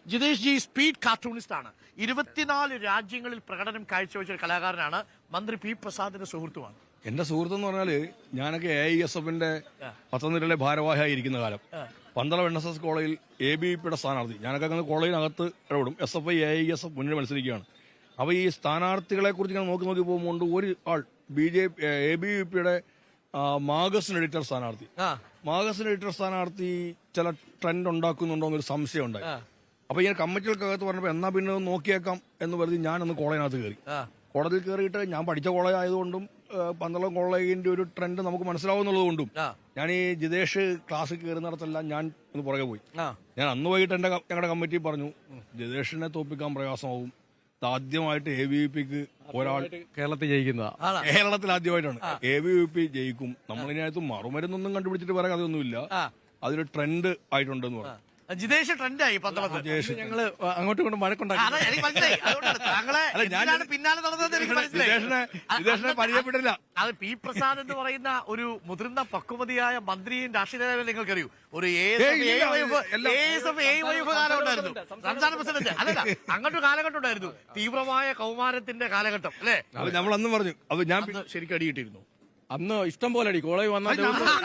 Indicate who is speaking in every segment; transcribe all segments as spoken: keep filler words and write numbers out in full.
Speaker 1: Jithesh G speed cartoonist ആണ്. ഇരുപത്തിനാല് രാജ്യങ്ങളിൽ പ്രകടനം കാഴ്ചവെച്ച ഒരു കലാകാരനാണ്. മന്ത്രി പി പ്രസാദിന്റെ സുഹൃത്തുമാണ്.
Speaker 2: എന്റെ സുഹൃത്തെന്ന് പറഞ്ഞാല് ഞാനൊക്കെ എ ഐ എസ് എഫിന്റെ പത്തനംതിട്ടയിലെ ഭാരവാഹിയായി ഇരിക്കുന്ന കാലം പന്തളം എൻ എസ് എസ് കോളേജിൽ എ ബി വി പിയുടെ സ്ഥാനാർത്ഥി. ഞാനൊക്കെ അങ്ങനെ കോളേജിനകത്ത് ഇടപെടും. S F I A I S F മുന്നിൽ മത്സരിക്കുകയാണ്. അപ്പൊ ഈ സ്ഥാനാർത്ഥികളെ കുറിച്ച് ഞാൻ നോക്കി നോക്കി പോകുമ്പോൾ ഒരു ആൾ B J P A B V പിയുടെ മാഗസിൻ എഡിറ്റർ സ്ഥാനാർത്ഥി മാഗസിൻ എഡിറ്റർ സ്ഥാനാർത്ഥി ചില ട്രെൻഡ് ഉണ്ടാക്കുന്നുണ്ടോ എന്നൊരു സംശയം ഉണ്ടായി. അപ്പൊ ഇങ്ങനെ കമ്മിറ്റികൾക്കകത്ത് പറഞ്ഞപ്പോ എന്നാ പിന്നെ ഒന്ന് നോക്കിയേക്കാം എന്ന് പറഞ്ഞ് ഞാനൊന്ന് കോളേജിനകത്ത് കയറി. കോടതിയിൽ കയറിയിട്ട് ഞാൻ പഠിച്ച കോളേജ് ആയതുകൊണ്ടും പന്തളം കോളേജിന്റെ ഒരു ട്രെൻഡ് നമുക്ക് മനസ്സിലാവുന്നതുകൊണ്ടും ഞാൻ ഈ ജിതേഷ് ക്ലാസ്സിൽ കയറുന്നിടത്തെല്ലാം ഞാൻ ഒന്ന് പുറകെ പോയി. ഞാൻ അന്ന് വൈകിട്ട് എന്റെ ഞങ്ങളുടെ കമ്മിറ്റി പറഞ്ഞു, ജിതേഷിനെ തോപ്പിക്കാൻ പ്രയാസമാവും. ആദ്യമായിട്ട് എ ബി വി പിക്ക് ഒരാൾ
Speaker 3: കേരളത്തിൽ ജയിക്കുന്നതാ.
Speaker 2: കേരളത്തിൽ ആദ്യമായിട്ടാണ് എ ബി വി പി ജയിക്കും. നമ്മളിതിനകത്ത് മറുമരുന്നൊന്നും കണ്ടുപിടിച്ചിട്ട് പറയാൻ കഥയൊന്നുമില്ല. അതൊരു ട്രെൻഡ് ആയിട്ടുണ്ടെന്ന് പറഞ്ഞു.
Speaker 1: ജിതേഷ് ട്രെൻഡായി പന്തളത്ത്.
Speaker 3: ഞങ്ങള് അങ്ങോട്ടും ഇങ്ങോട്ടും വഴക്കുണ്ടാക്കി.
Speaker 1: പിന്നാലെ
Speaker 2: ജിതേഷിനെ പരിചയപ്പെട്ടില്ല.
Speaker 1: അത് പി പ്രസാദ് എന്ന് പറയുന്ന ഒരു മുതിർന്ന പക്വതയായ മന്ത്രിയും രാഷ്ട്രീയ നേതാവും നിങ്ങൾക്കറിയൂ. ഒരു കാലം ഉണ്ടായിരുന്നു. സംസ്ഥാന പ്രസിഡന്റ് അല്ലല്ല, അങ്ങോട്ട് കാലഘട്ടം ഉണ്ടായിരുന്നു. തീവ്രമായ കൗമാരത്തിന്റെ കാലഘട്ടം അല്ലെ?
Speaker 2: നമ്മൾ അന്നും പറഞ്ഞു. അത് ഞാൻ
Speaker 1: ശരിക്കും അടിയിട്ടിരുന്നു.
Speaker 3: അന്ന് ഇഷ്ടം പോലെ അടി കോളേജ് വന്നാൽ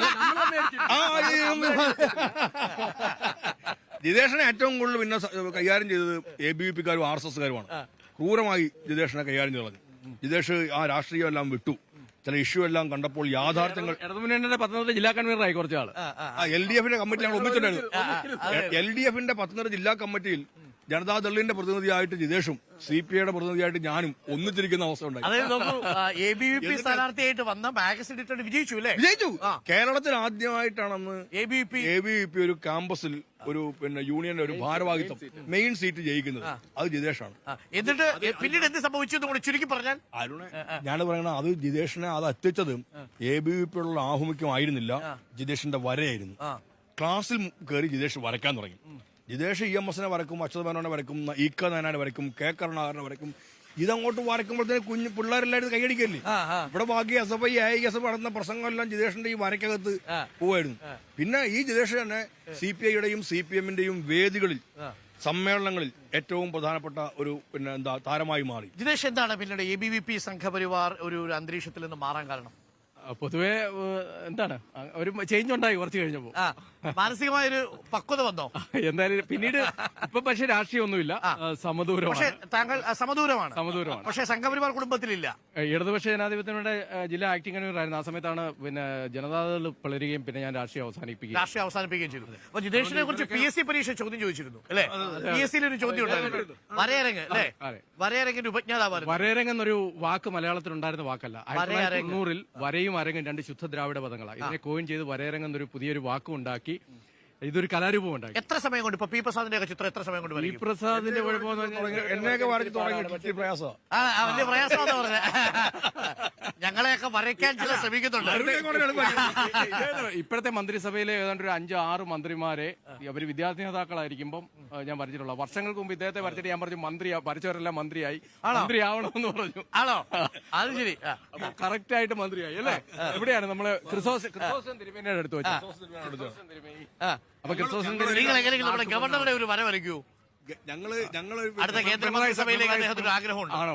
Speaker 2: ജിതേഷിനെ ഏറ്റവും കൂടുതൽ പിന്നെ കൈകാര്യം ചെയ്തത് എ ബി വി പിക്കാരും ആർ എസ് എസ്കാരുമാണ്. ക്രൂരമായി ജിതേഷിനെ കൈകാര്യം ചെയ്തു. ജിതേഷ് ആ രാഷ്ട്രീയം എല്ലാം വിട്ടു. ചില ഇഷ്യൂ എല്ലാം കണ്ടപ്പോൾ യാഥാർത്ഥ്യങ്ങൾ
Speaker 3: ഇടതുമുന്നണിയുടെ പത്തനംതിട്ട ജില്ലാ കൺവീനറായി കുറച്ചാള്
Speaker 2: എൽ ഡി എഫിന്റെ കമ്മിറ്റി ഞങ്ങൾ ഒന്നിച്ചിട്ടുണ്ടായിരുന്നു. എൽ ഡി എഫിന്റെ പത്തനംതിട്ട ജില്ലാ കമ്മിറ്റിയിൽ ജനതാദളിന്റെ പ്രതിനിധിയായിട്ട് ജിതേഷും സി പി ഐയുടെ പ്രതിനിധിയായിട്ട് ഞാനും ഒന്നിച്ചിരിക്കുന്ന അവസ്ഥ ഉണ്ടായി.
Speaker 1: എ ബി വി പി സ്ഥാനാർത്ഥിയായിട്ട് വന്ന മാഗസിൻ എഡിറ്റർ വിജയിച്ചു അല്ലേ?
Speaker 2: വിജയിച്ചു. കേരളത്തിൽ ആദ്യമായിട്ടാണെന്ന്
Speaker 1: A B P
Speaker 2: A B V P ഒരു ക്യാമ്പസിൽ ഒരു പിന്നെ യൂണിയന്റെ ഒരു ഭാരവാഹിത്വം മെയിൻ സീറ്റ് ജയിക്കുന്നത്. അത് ജിതേഷാണ്.
Speaker 1: എന്നിട്ട് പിന്നീട് എന്ത് സംഭവിച്ചു എന്ന് കൂടി ചുരുക്കി പറഞ്ഞാൽ
Speaker 2: അരുണെ ഞാൻ പറയണ അത് ജിതേഷിനെ അത് എത്തിച്ചത് എ ബി വി പിയുള്ള ആഭിമുഖ്യം ആയിരുന്നില്ല, ജിതേഷിന്റെ വരയായിരുന്നു. ക്ലാസ്സിൽ കയറി ജിതേഷ് വരയ്ക്കാൻ തുടങ്ങി. ജിതേഷ് ഇ എം എസിനെ വരക്കും, അച്യുത മേനോനെ വരക്കും, ഇ ക നായനാനെ വരക്കും, കെ കരുണാകരനെ വരക്കും. ഇതങ്ങോട്ട് വരക്കുമ്പോഴത്തേന് കുഞ്ഞു പിള്ളേരെല്ലാവരും കൈയടിക്കല്ലേ. ഇവിടെ ബാക്കി S F I I S F നടന്ന പ്രസംഗമെല്ലാം ജിതേഷിന്റെ ഈ വരക്കകത്ത് പോവായിരുന്നു. പിന്നെ ഈ ജിതേഷ് തന്നെ സി പി ഐയുടെയും സി പി എമ്മിന്റെയും വേദികളിൽ സമ്മേളനങ്ങളിൽ ഏറ്റവും പ്രധാനപ്പെട്ട ഒരു പിന്നെ എന്താ താരമായി മാറി.
Speaker 1: ജിതേഷ് എന്താണ് പിന്നീട് A B V P Sangh Parivar ഒരു അന്തരീക്ഷത്തിൽ നിന്ന് മാറാൻ കാരണം?
Speaker 3: പൊതുവെ എന്താണ് ഒരു ചേഞ്ച് ഉണ്ടായി കുറച്ച് കഴിഞ്ഞപ്പോ.
Speaker 1: മാനസികമായൊരു പക്വത വന്നോ?
Speaker 3: എന്തായാലും പിന്നീട് ഇപ്പൊ പക്ഷെ രാഷ്ട്രീയമൊന്നുമില്ല, സമദൂരമാണ്.
Speaker 1: പക്ഷേ താങ്കൾ സമദൂരമാണ്.
Speaker 3: സമദൂരമാണ്.
Speaker 1: പക്ഷേ സംഘപരിവാർ കുടുംബത്തിലില്ല.
Speaker 3: ഇടതുപക്ഷ ജനാധിപത്യത്തിന്റെ ജില്ലാ ആക്ടിംഗ് കൺവീനറായിരുന്നു. ആ സമയത്താണ് പിന്നെ ജനതാദൾ പിളരുകയും പിന്നെ ഞാൻ രാഷ്ട്രീയം അവസാനിപ്പിക്കുകയും
Speaker 1: രാഷ്ട്രീയം അവസാനിപ്പിക്കുകയും ചെയ്തു. അപ്പൊ ജിതേഷിനെ കുറിച്ച് പി എസ് സി പരീക്ഷ ചോദ്യം ചോദിച്ചിരുന്നു അല്ലെ? പി എസ് സിയിൽ ഒരു ചോദ്യം ഉണ്ടായിരുന്നു. വരയരങ്ങ് അല്ലെ? വരയരങ്ങിന്റെ ഉപജ്ഞാതാവായിരുന്നു.
Speaker 3: വരയരങ്ങ് എന്നൊരു വാക്ക് മലയാളത്തിൽ ഉണ്ടായിരുന്ന വാക്കല്ല. ആയിരത്തി തൊള്ളായിരത്തി തൊണ്ണൂറിൽ വരയും അരങ്ങും രണ്ട് ശുദ്ധ ദ്രാവിഡ പദങ്ങളാണ്. ഇതിനെ കോയിൻ ചെയ്ത് വരയരങ്ങ് എന്നൊരു പുതിയൊരു വാക്കും ഉണ്ടാക്കി ഇതൊരു കലാരൂപം ഉണ്ടാക്കി.
Speaker 1: എത്ര സമയം കൊണ്ട് ഇപ്പൊ പി പ്രസാദിന്റെ ചിത്രം എത്ര സമയം കൊണ്ട്?
Speaker 3: പി പ്രസാദിന്റെ
Speaker 2: എന്നെയൊക്കെ വരച്ചു തുടങ്ങി പ്രയാസം
Speaker 1: വലിയ പ്രയാസമാണെന്ന് പറഞ്ഞ ഞങ്ങളെയൊക്കെ വരയ്ക്കാൻ ചില ശ്രമിക്കുന്നുണ്ട്.
Speaker 3: ഇപ്പോഴത്തെ മന്ത്രിസഭയിലെ ഏതാണ്ട് ഒരു അഞ്ച് ആറ് മന്ത്രിമാരെ അവര് വിദ്യാർത്ഥി നേതാക്കളായിരിക്കുമ്പോൾ ഞാൻ വരച്ചിട്ടുള്ള. വർഷങ്ങൾക്ക് മുമ്പ് ഇദ്ദേഹത്തെ വരച്ചിട്ട് ഞാൻ പറഞ്ഞു മന്ത്രി വരച്ചവരെല്ലാം മന്ത്രിയായി, മന്ത്രിയാവണമെന്ന് പറഞ്ഞു.
Speaker 1: ആണോ? അത് ശരി.
Speaker 3: കറക്റ്റ് ആയിട്ട് മന്ത്രിയായി അല്ലേ? എവിടെയാണ് നമ്മള് ക്രിസോസ് ക്രിസോസൻ തിരുമേനിയുടെ അടുത്ത് വെച്ചു. അപ്പൊ ക്രിസോസൻ
Speaker 1: നിങ്ങൾ എങ്ങനെയെങ്കിലും നമ്മുടെ ഗവർണറുടെ ഒരു വര വരയ്ക്കൂ.
Speaker 2: ഞങ്ങള് ഞങ്ങള്
Speaker 1: അടുത്ത കേന്ദ്രമന്ത്രിസഭയിലേക്ക് അദ്ദേഹത്തിന് ഒരു ആഗ്രഹമുണ്ട്.
Speaker 3: ആണോ?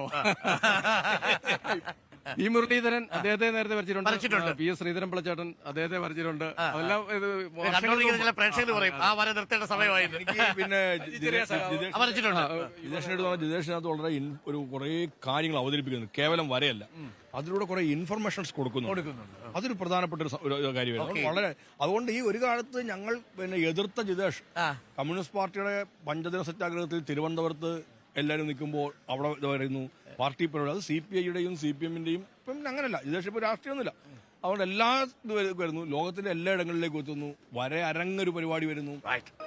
Speaker 3: ഈ മുരളീധരൻ അദ്ദേഹത്തെ നേരത്തെ വരച്ചിട്ടുണ്ട്. പി എസ് ശ്രീധരൻ പിള്ളച്ചേട്ടൻ അദ്ദേഹത്തെ വരച്ചിട്ടുണ്ട്. അതെല്ലാം
Speaker 1: ചില പ്രേക്ഷകർ പറയും ആ വര നിർത്തേണ്ട സമയമായിരുന്നു.
Speaker 2: പിന്നെ
Speaker 1: വരച്ചിട്ടുണ്ട്.
Speaker 2: ജിതേഷിനടുത്ത് ജിതേഷിനകത്ത് വളരെ ഒരു കുറെ കാര്യങ്ങൾ അവതരിപ്പിക്കുന്നു. കേവലം വരയല്ല, അതിലൂടെ കുറെ ഇൻഫർമേഷൻസ് കൊടുക്കുന്നു. അതൊരു പ്രധാനപ്പെട്ട ഒരു കാര്യമാണ്. വളരെ അതുകൊണ്ട് ഈ ഒരു കാലത്ത് ഞങ്ങൾ പിന്നെ എതിർത്ത ജിതേഷ് കമ്മ്യൂണിസ്റ്റ് പാർട്ടിയുടെ പഞ്ചദിന സത്യാഗ്രഹത്തിൽ തിരുവനന്തപുരത്ത് എല്ലാവരും നിൽക്കുമ്പോൾ അവിടെ ഇത് വരുന്നു പാർട്ടി പരിപാടി. അത് സി പി ഐയുടെയും സി പി എമ്മിന്റെയും ഇപ്പം അങ്ങനല്ല. ജിതേഷ് ഇപ്പൊ രാഷ്ട്രീയമൊന്നുമില്ല. അതുകൊണ്ട് എല്ലാ ഇത് വരുന്നു, ലോകത്തിന്റെ എല്ലാ ഇടങ്ങളിലേക്കും എത്തുന്നു. വരെ അരങ്ങൊരു പരിപാടി വരുന്നു.